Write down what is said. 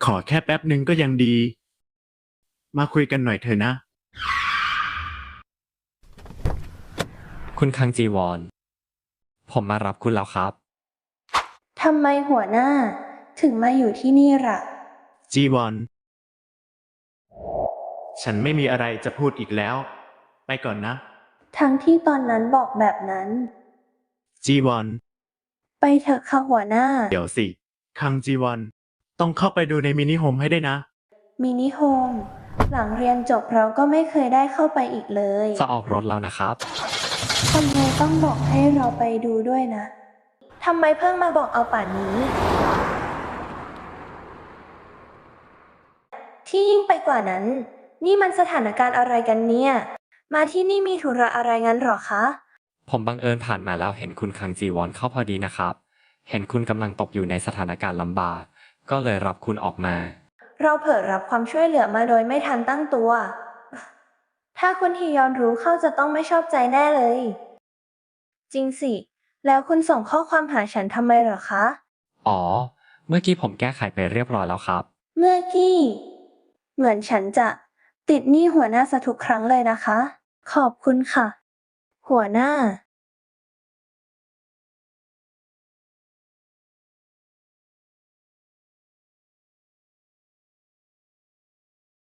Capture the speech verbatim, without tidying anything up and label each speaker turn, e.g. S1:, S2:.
S1: อแค่แป๊บหนึ่งก็ยังดี มาคุยกันหน่อยเถอะนะ
S2: คุณคังจีวอน ผมมารับคุณแล้วครับ
S3: ทำไมหัวหน้าถึงมาอยู่ที่นี่ล่ะ
S1: จีวอน ฉันไม่มีอะไรจะพูดอีกแล้ว ไปก่อนนะ
S3: ทั้งที่ตอนนั้นบอกแบบนั้น
S1: จีวอน
S3: ไปเถอะค่ะหัวหน้า
S1: เดี๋ยวสิ คังจีวอน ต้องเข้าไปดูในมินิโฮมให้ได้นะ
S3: มินิโฮม หลังเรียนจบเราก็ไม่เคยได้เข้าไปอีกเลย
S2: จะออกรถแล้วนะครับ
S3: ทำไมต้องบอกให้เราไปดูด้วยนะ ทำไมเพิ่งมาบอกเอาป่านนี้ ที่ยิ่งไปกว่านั้น นี่มันสถานการณ์อะไรกันเนี่ย มาที่นี่มีธุระอะไรงั้นหรอคะ
S2: ผมบังเอิญผ่านมาแล้วเห็นคุณคังจีวอนเข้าพอดีนะครับ เห็นคุณกำลังตกอยู่ในสถานการณ์ลำบาก ก็เลยรับคุณออกมา
S3: เราเผลอรับความช่วยเหลือมาโดยไม่ทันตั้งตัว ถ้าคุณฮียอนรู้เข้าจะต้องไม่ชอบใจแน่เลย จริงสิ แล้วคุณส่งข้อความหาฉันทำไมเหรอคะ
S2: อ๋อ เมื่อกี้ผมแก้ไขไปเรียบร้อยแล้วครับ
S3: เมื่อกี้ เหมือนฉันจะติดหนี้หัวหน้าซะทุกครั้งเลยนะคะ ขอบคุณค่ะ หัวหน้า